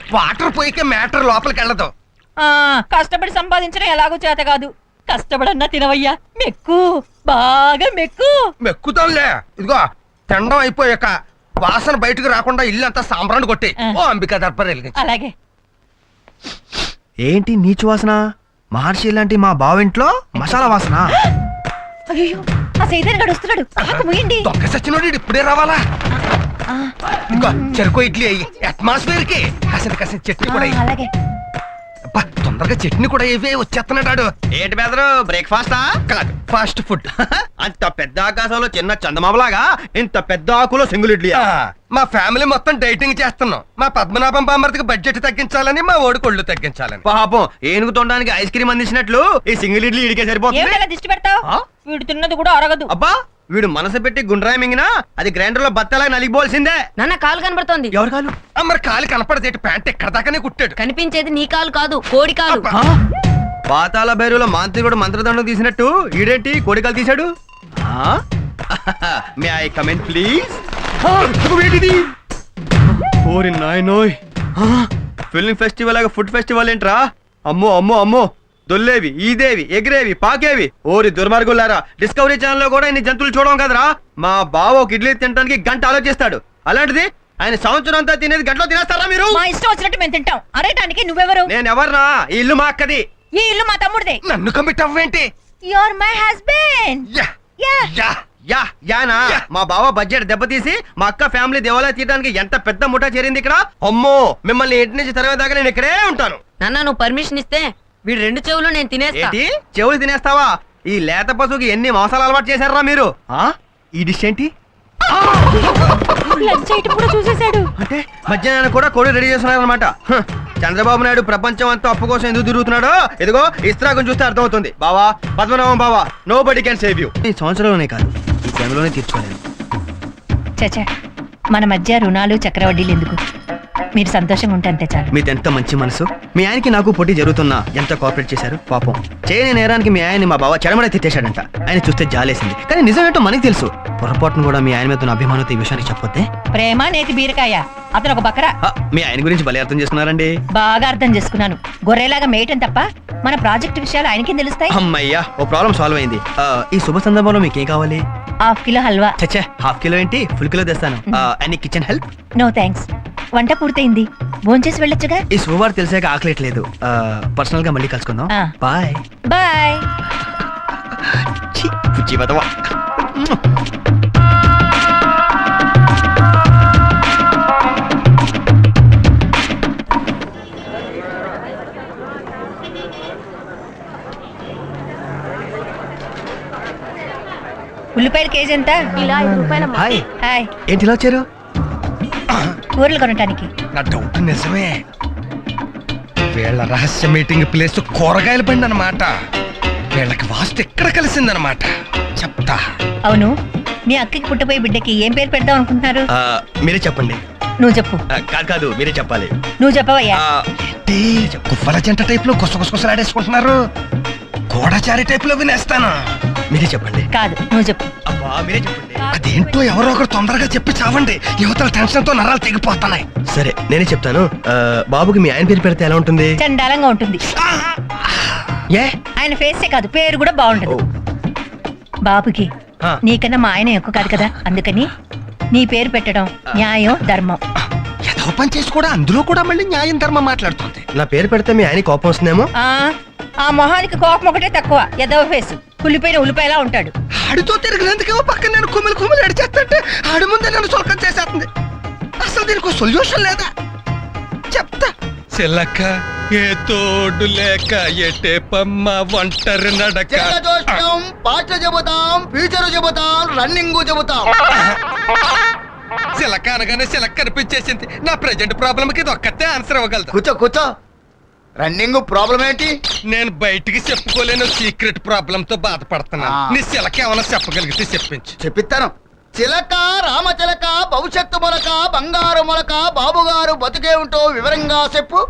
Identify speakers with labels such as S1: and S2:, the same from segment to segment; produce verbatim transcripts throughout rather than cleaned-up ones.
S1: Water పోయికే matter లోపలికి వెళ్ళదు.
S2: ఆ కష్టపడి సంపాదించడం ఎలాగో చేత కాదు. కష్టపడన్నా తినవయ్యా, మెక్కు బాగా మెక్కు.
S1: మెక్కుతాంలే. ఇదిగో తినడం అయిపోయాక వాసన బయటకు రాకుండా ఇల్లు అంతా సాంబ్రాన్ని కొట్టి ఓ అంబికా దర్బార్ వెలిగించు.
S2: అలాగే.
S3: ఏంటి నీచు వాసన? మహర్షి లాంటి మా బావింట్లో మసాలా వాసన.
S2: అయ్యో ఆ సైతాన్ గడు వస్తున్నాడు, ఆకు ముయండి.
S1: దొంగ సచ్చినోడు ఇప్పుడే రావాలా? ఇంకో చెరుకు ఇడ్లీ అయ్యి అట్మాస్ఫియర్ కి కాసిన కాసిన చట్నీ కూడా అయ్యి.
S2: అలాగే.
S1: అబ్బా, తొందరగా చట్నీ కూడా ఇవే వచ్చేస్తున్నాడు.
S3: ఏంటి బెదరు, బ్రేక్ఫాస్టా?
S1: కాదు, ఫాస్ట్ ఫుడ్.
S3: అంత పెద్ద ఆకాశంలో చిన్న చందమామలాగా ఇంత పెద్ద ఆకులో సింగిల్ ఇడ్లీ.
S1: మా ఫ్యామిలీ మొత్తం డైటింగ్ చేస్తున్నాం. మా పద్మనాభం బామ్మర్తికి బడ్జెట్ తగ్గించాలని, మా ఓడి కొళ్ళు తగ్గించాలని.
S3: పాపం ఏనుగు తొండడానికి ఐస్ క్రీమ్ అందించినట్లు ఈ సింగిల్ ఇడ్లీ ఇడికే సరిపోతుంది.
S2: ఏమిటలా దిష్టి పెడతావు? వీడు తిన్నది కూడా అరగదు.
S3: అబ్బా, వీడు మనసు పెట్టి గుండ్రాయి మింగినా అది గ్రైండర్ లో బత్తలా నలిగిపోవాల్సిందే.
S4: నాన్న కాలు కనబడుతోంది.
S3: ఎవరు కాలు?
S1: మరి కాలు కనపడదేటి, ప్యాంట్ ఎక్కడ దాకానే కుట్టాడు.
S4: కనిపించేది నీ కాలు కాదు, కోడి కాలు.
S3: పాతాల భైరులో మాంత్రికుడు మంత్రదండం తీసినట్టు ఈడేంటి కోడికలు తీశాడు? May I comment please? ఓరి నాయనోయ్, ఫిల్మ్ ఫెస్టివల్ లాగా ఫుడ్ ఫెస్టివల్ ఏంట్రా? అమ్మో అమ్మో అమ్మో, దొల్లేవి, ఈదేవి, ఎగిరేవి, పాకేవి. ఓరి దుర్మార్గులారా, డిస్కవరీ ఛానల్ లో కూడా ఇన్ని జంతువులు చూడడం కదరా. మా బావ ఒక ఇడ్లీ తినడానికి గంట ఆలోచిస్తాడు, అలాంటిది ఆయన సంవత్సరం అంతా తినేది గంటలో తినేస్తారా మీరు?
S2: మా ఇష్టం వచ్చినట్టు మేము తింటాం. అరేటానికి నువ్వెవరు?
S3: నేను ఎవర్నా? ఈ ఇల్లు మా అక్కది.
S2: ఈ ఇల్లు మా తమ్ముడిదే.
S1: నన్ను కమిట్ అవ్వేంటి?
S2: You are my husband.
S1: యా
S2: యా
S1: యా
S3: యా యానా? మా బావ బడ్జెట్ దెబ్బతీసి మా అక్క ఫ్యామిలీ దేవాలయ తీయడానికి ఎంత పెద్ద ముఠా చేరింది ఇక్కడ. అమ్మో, మిమ్మల్ని ఇంటి నుంచి తరవేదాకా నేను ఇక్కడే ఉంటాను.
S4: నాన్న నువ్వు పర్మిషన్ ఇస్తే వీడు రెండు చెవులు నేను తినేస్తా.
S3: ఏంటి చెవులు తినేస్తావా? ఈ లేత పశువుకి ఎన్ని మోసాలు అలవాటు చేశారా మీరు? ఆ ఈ డిష్ ఏంటి?
S2: లంచ్ ఐటమ్ కూడా చూసేశాడు.
S3: అంటే మధ్యాహ్నం కూడా కోడి రెడీ చేస్తున్నారనమాట. చంద్రబాబు నాయుడు ప్రపంచం అంతా అప్పు కోసం ఎందుకు తిరుగుతున్నాడో ఇదిగో ఇస్త్రాగం చూస్తే అర్థమవుతుంది. బావా, పద్మనాభం బావా, nobody can save you. ఈ సంవత్సరంలోనే కాదు, ఈ టైంలోనే తీర్చుకోలేను.
S2: చచ్చా, మన మధ్య రుణాలు చక్రవడ్డీలు ఎందుకు? మీరు సంతోషంగా ఉంటే అంతే చాలు.
S3: మీది ఎంత మంచి మనసు. మీ ఆయనకి నాకు పోటీ జరుగుతున్నా ఎంత కోఆపరేట్ చేశారు. పాపం చేయని నేరానికి మీ ఆయన్ని మా బావ చెడమడ తిట్టేశాడంట. ఆయన చూస్తే జాలేసింది, కానీ నిజం ఏంటో మనకి తెలుసు. పొరపాటును కూడా మీ ఆయన మీద ఉన్న అభిమానంతో ఈ విషయానికి చెప్పొద్దే.
S2: ప్రేమ నేతి బీరకాయ, అతను ఒక బకరా.
S3: మీ ఆయన గురించి భలే అర్థం చేసుకున్నారండి.
S2: బాగా అర్థం చేసుకున్నాను. గొర్రెలాగా మేయటం తప్ప మన ప్రాజెక్ట్ విషయాలు ఆయనకేం తెలుస్తాయి?
S3: అమ్మయ్యా, ఓ ప్రాబ్లం సాల్వ్ అయింది. ఈ శుభ సందర్భంలో మీకేం కావాలి?
S2: హాఫ్ కిలో హల్వా.
S3: చచ్చా, హాఫ్ కిలో ఏంటి, ఫుల్ కిలో తెస్తాను. Any kitchen help?
S2: No thanks, వంట పూర్తయింది, భోంచేసి వెళ్ళొచ్చుగా.
S3: ఈ శుభవార్త తెలిసాక ఆకలేట్లేదు. పర్సనల్ గా మళ్ళీ కలుసుకుందాం. Bye
S2: bye. ఉల్లిపాయల కేజీ ఎంత?
S4: ఇలా ఐదు రూపాయల.
S3: హాయ్.
S2: హాయ్.
S3: ఏంటి ఇలా వచ్చారు?
S2: కూరలు కొనటానికి.
S1: నా డౌట్ నిజమే. వీళ్ళ రహస్య మీటింగ్ ప్లేస్ కూరగాయల బండి అన్నమాట. వీళ్ళకి వాస్తు ఎక్కడ కలిసిందనమాట. చెప్తా.
S2: అవును, మీ అక్కకి పుట్టపోయే బిడ్డకి ఏం పేరు పెడదాం అనుకుంటున్నారు?
S3: మీరే చెప్పండి.
S2: నువ్వు చెప్పు.
S3: కాదు కాదు మీరే చెప్పాలి.
S2: నువ్వు చెప్పవయ్యా.
S1: కువ్వల జంట టైప్ లో గుసగుసలాడేసుకుంటున్నారు. గోడచారి టైప్ లో వినేస్తాను.
S3: మీరే చెప్పండి.
S2: కాదు, నువ్వు చెప్పు.
S3: అబ్బా మీరే చెప్పండి.
S1: అదేంటో ఎవరో ఒకరు తొందరగా చెప్పి చావండి. యువతల టెన్షన్ తో నరాలు తెగిపోతున్నాయి.
S3: సరే నేనే చెప్తాను. బాబుకి మీ ఆయన పేరు పెడితే ఎలా ఉంటుంది?
S2: చండాలంగా ఉంటుంది.
S3: ఏ
S2: ఆయన ఫేసే కాదు, పేరు కూడా బాగుంటది. బాబుకి నీకన్నా మా ఆయన ఎక్కువ కాదు కదా, అందుకని నీ పేరు పెట్టడం న్యాయం ధర్మం.
S1: ఏదో పని చేసి కూడా అందులో కూడా మళ్ళీ న్యాయం ధర్మం మాట్లాడుతుంది.
S3: నా పేరు పెడితే మీ ఆయన కోపం వస్తుందేమో.
S2: ఆ ఆ మొహానికి కోపం ఒకటే తక్కువ. ఎదవ ఫేసు, కుళ్ళిపోయిన ఉల్లిపాయలా ఉంటాడు.
S1: ఆడితో తిరిగినందుకేమో పక్కన నేను కుమిలి కుమిలి అడిచేస్తుంటే ఆడి ముందే నన్ను సొలకం చేసేస్తుంది. అసలు దీనికి సొల్యూషన్ లేదా? చెప్తా. చిలక ఏ తోడు లేక ఎటే పమ్మ ఒంటరి నడక.
S5: పాట చెబుతాం, ఫ్యూచర్ చెబుతాం, రన్నింగ్ చెబుతాం.
S1: చిలక అనగానే చిలక కనిపించేసింది. నా ప్రెజెంట్ ప్రాబ్లమ్ కి ఇది ఒక్కతే ఆన్సర్ ఇవ్వగలదు.
S5: కూర్చో కూర్చో. రన్నింగ్ ప్రాబ్లం ఏంటి?
S1: నేను బయటికి చెప్పుకోలేను సీక్రెట్ ప్రాబ్లం తో బాధపడుతున్నాను. నీ చిలక ఏమైనా చెప్పగలిగితే చెప్పించు.
S5: చెప్పిస్తాను. చిలక రామచిలక భవిష్యత్తు మొలక బంగారు మొలక బాబుగారు బతికే ఉంటూ వివరంగా చెప్పు.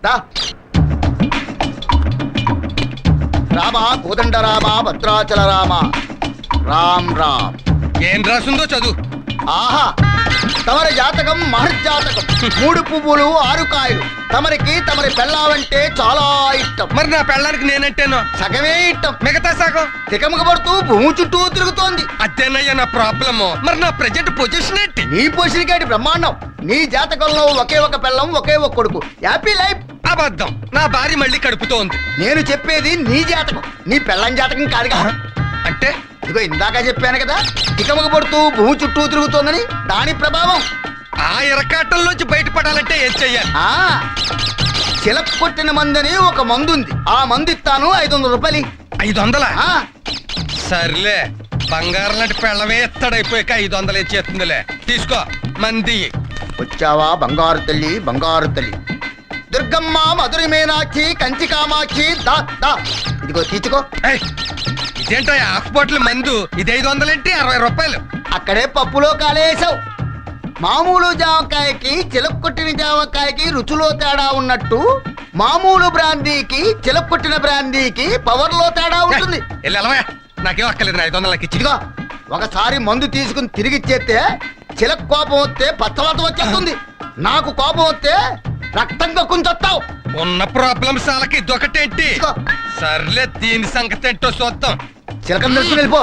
S5: రామ కోదండ రామ భద్రాచల రామ రామ్ రామ్.
S1: ఏం రాసిందో చదువు.
S5: ఆహా తమరి జాతకం మహర్జాతకం. మూడు పువ్వులు ఆరు కాయలు. తమరికి తమరి పెళ్ళావంటే చాలా ఇష్టం.
S1: మరి నా పెళ్ళానికి నేనంటేనో
S5: సగమే ఇష్టం.
S1: మిగతా సగం
S5: తికమక పడుతూ భూమి చుట్టూ తిరుగుతోంది.
S1: అదేనయ్యా నా ప్రాబ్లము. మరి నా ప్రెజెంట్ పొజిషన్ ఏంటి?
S5: నీ పొసిరికాటి బ్రహ్మాండం. నీ జాతకంలో ఒకే ఒక పెళ్ళం ఒకే ఒక కొడుకు. Happy life.
S1: అబద్ధం. నా భార్య మళ్ళీ కడుపుతో ఉంది.
S5: నేను చెప్పేది నీ జాతకం, నీ పెళ్ళం జాతకం కాదుగా.
S1: అంటే
S5: ఇదిగో ఇందాక చెప్పాను కదా, తికమక పడుతూ భూమి చుట్టూ తిరుగుతోందని. దాని ప్రభావం.
S1: ఆ ఇరకాటంలోంచి బయటపడాలంటే ఏం చెయ్యాలి?
S5: ఆ చిలక కొట్టిన మందని ఒక మందు ఉంది. ఆ మందు ఇస్తాను, ఐదు వందల రూపాయలు.
S1: ఐదు వందలా?
S5: ఆ,
S1: సర్లే, బంగారం లాంటి పెళ్ళమే ఎత్తడైపోయాక ఐదు వందలు ఇచ్చేస్తుందిలే. తీసుకో మంది.
S5: వచ్చావా బంగారు తల్లి, బంగారు తల్లి. దుర్గమ్మ, మధురి మీనాక్షి, కంచి కామాక్షి, దా దా ఇదిగో తీసుకో.
S1: ఏయ్, ఇదేంటో హాఫ్ బాటిల్ మందు. ఇది ఐదు వందలేంటి? అరవై రూపాయలు.
S5: అక్కడే పప్పులో కాలేసావు. మామూలు జామకాయకి చిలక కొట్టిన జామకాయకి రుచిలో తేడా ఉన్నట్టు, మామూలు బ్రాందీకి చిలక కొట్టిన బ్రాందీకి పవర్ లో తేడా ఉంటుంది.
S1: వెళ్ళి వెళ్ళవా, నాకేం అక్కర్లేదు. ఐదు వందలకి ఇచ్చి.
S5: ఇదిగో ఒకసారి మందు తీసుకుని తిరిగి ఇచ్చేస్తే చిలక కోపం వస్తే పచ్చవాత వచ్చేస్తుంది. నాకు కోపం వస్తే రక్తంగా కుంచొస్తావు.
S1: ఉన్న ప్రాబ్లమ్స్ వాళ్ళకి ఇదొకటేంటి?
S5: ఇదిగో.
S1: సర్లే, దీని సంగతి ఏంటో చూద్దాం.
S5: చిలకం తెలుసుకుని వెళ్ళిపో.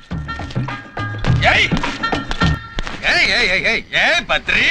S1: ఏయ్ ఏయ్ ఏయ్ ఏయ్ ఏయ్ ఏయ్ బద్రి,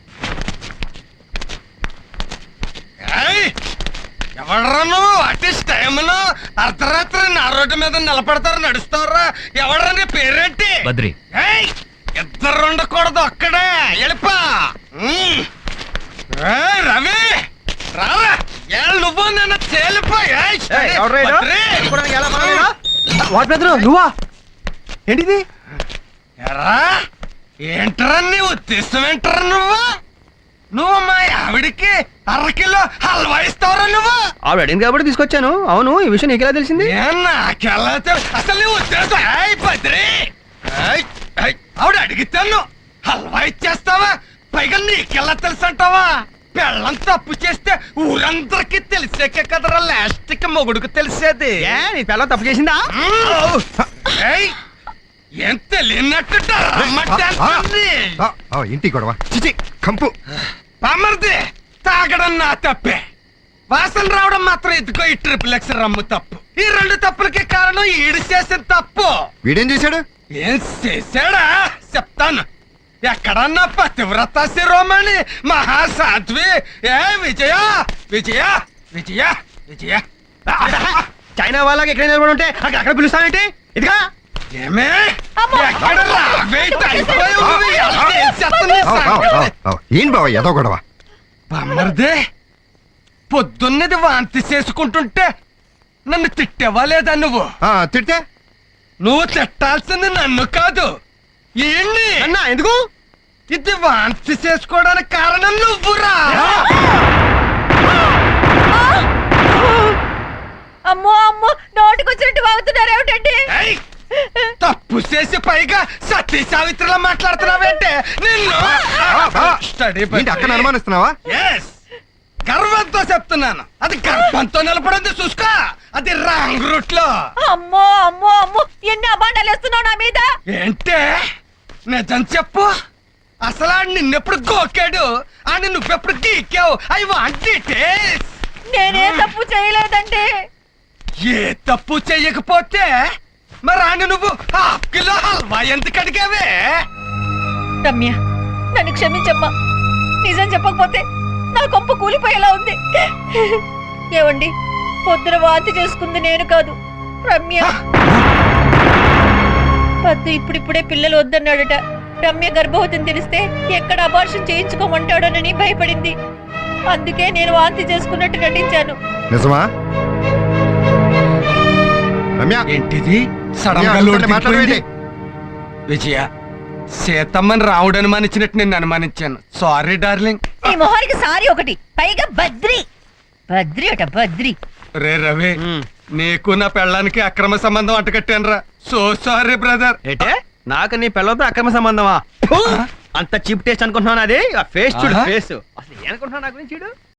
S1: ఏయ్ ఎవడ్రా నువ్వు? అట్లీస్ట్ టైంలో అర్ధరాత్రి నా రోడ్డు మీద నిలబడతారు, నడుస్తారా? ఎవడ్రా నీ పేరేంటి?
S6: బద్రి.
S1: ఏయ్, ఇద్దరు ఉండకూడదు, అక్కడే వెళ్ళిపా. ఉమ్. ఏయ్ రవి, రారా. ఏ నువ్వు నన్ను తేలిపో. ఏయ్, బద్రి.
S3: వాట్ బ్రదర్, నువ్వా? ఏంటిది?
S1: ఎరా, ఏంట్రా నీ ఉద్దేశం? ఏంట్రా నువ్వు నువ్వు మా ఆవిడికి అరకిలో హల్వా ఇస్తావురా నువ్వు?
S3: ఆవిడ అడిగింది కాబట్టి తీసుకొచ్చాను. అవును, ఈ విషయం నీకెలా తెలిసింది?
S1: ఏ నాకెలా తెలు- అసలు నీ ఉద్దేశం? ఏయ్ బద్రి, ఏయ్, ఏయ్, ఆవిడ అడిగితేను హల్వా ఇచ్చేస్తావా? పైగా నీకెలా తెలుసు అంటావా? పెళ్ళం తప్పు చేస్తే ఊరందరికీ తెలిసాకే కదరా లాస్ట్ కి మొగుడుకు తెలిసేది.
S3: ఏ, నీ పిల్ల తప్పు చేసిందా?
S1: మ్మ్. ఏయ్, ఏం తెలియనట్టు
S7: ఇంటి గొడవ చిచి కంపు.
S1: పామర్ది, తాగడం నా తప్పే, వాసన రావడం మాత్రం ఎత్తుకో ఈ ట్రిపుల్ ఎక్స్ రమ్ము తప్పు. ఈ రెండు తప్పులకి కారణం ఈడు చేసిన తప్పు.
S7: వీడేం చేశాడు?
S1: ఏం చేశాడా చెప్తాను. ఎక్కడన్నా పతివ్రత శిరోమణి మహాసాధ్వి. ఏ విజయ విజయ విజయ విజయ
S3: చైనా వాళ్ళకి ఎక్కడ నిలబడి ఉంటే అక్కడ అక్కడ పిలుస్తానంటే ఇదిగా.
S1: ఏమే ఎక్కడ రావేంటి? అయిపోయావు నువ్వు. ఎలా ఏం చేస్తుంది
S7: ఆవ్, ఆవ్,
S1: సంగతి?
S7: ఆవ్, ఆవ్. ఏం బావ ఏదో గొడవ?
S1: బామ్మర్దే, పొద్దున్నది వాంతి చేసుకుంటుంటే నన్ను తిట్టేవా లేదా నువ్వు?
S7: ఆ, తిడితే
S1: నువ్వు తిట్టాల్సింది నన్ను కాదు, ఈయన్ని.
S3: అన్నా ఎందుకు?
S1: ఇది వాంతి చేసుకోవడానికి కారణం నువ్వురా.
S2: అమ్మో అమ్మో, నోటికొచ్చినట్టు వాగుతున్నారు ఏమిటండి?
S1: ఏయ్, తప్పు చేసి పైగా సతీ సావిత్రిలా మాట్లాడుతున్నావేంటే నిన్ను. స్టడీ
S7: ఏంటి అక్కడ అనుమానిస్తున్నావా?
S1: ఎస్, గర్వంతో చెప్తున్నాను. అది గర్భంతో నిలబడింది చూసుకో. అది రాంగ్ రూట్ లో.
S2: అమ్మో అమ్మో అమ్మో, ఎన్ని అబాండాలు వేస్తున్నావు నా మీద.
S1: ఏంటే నిజం చెప్పు. అసలు ఆడు నిన్నెప్పుడు గోకాడు, ఆడిని నువ్వెప్పుడు గీకావు? I want details.
S2: నేనే తప్పు చేయలేదండి.
S1: ఏ తప్పు చెయ్యకపోతే మరి ఆడిని నువ్వు హాఫ్ కిలో హల్వా ఎందుకు అడిగావే?
S2: రమ్య, నన్ను క్షమించమ్మా. నిజం చెప్పకపోతే నా కొంప కూలిపోయేలా ఉంది. ఏవండి, పొద్దున వాంతి చేసుకుంది నేను కాదు, రమ్య. పద్దు ఇప్పుడిప్పుడే పిల్లలు వద్దన్నాడట. రమ్య గర్భవతిని తెలిస్తే ఎక్కడ అబార్షన్ చేయించుకోమంటాడోనని భయపడింది. అందుకే నేను వాంతి చేసుకున్నట్టు నటించాను.
S7: నిజమా రమ్య?
S1: ఏంటిది సడన్ గా
S7: రమ్య,
S1: లోటు
S7: అడుగుతుంటే మాట్లాడవేంటి?
S1: దిగిపోయింది? విజయ, సీతమ్మని రావుడు అనుమానించినట్టు నిన్ను అనుమానించాను. Sorry darling.
S2: నీ మొహానికి సారీ ఒకటి, పైగా బద్రి. బద్రి అట బద్రి.
S1: రే రవి, నీకు నా పెళ్ళానికి అక్రమ సంబంధం అంటకట్టాను రా. So sorry brother.
S3: ఏంటే నాకు నీ పిల్లలతో అక్రమ సంబంధమా? అంత చీప్ టేస్ట్ అనుకుంటున్నాను. అది ఫేస్ చూడు,
S1: ఆహా.
S3: ఫేస్. అసలు ఏమనుకుంటున్నావు నా గురించి? చూడు.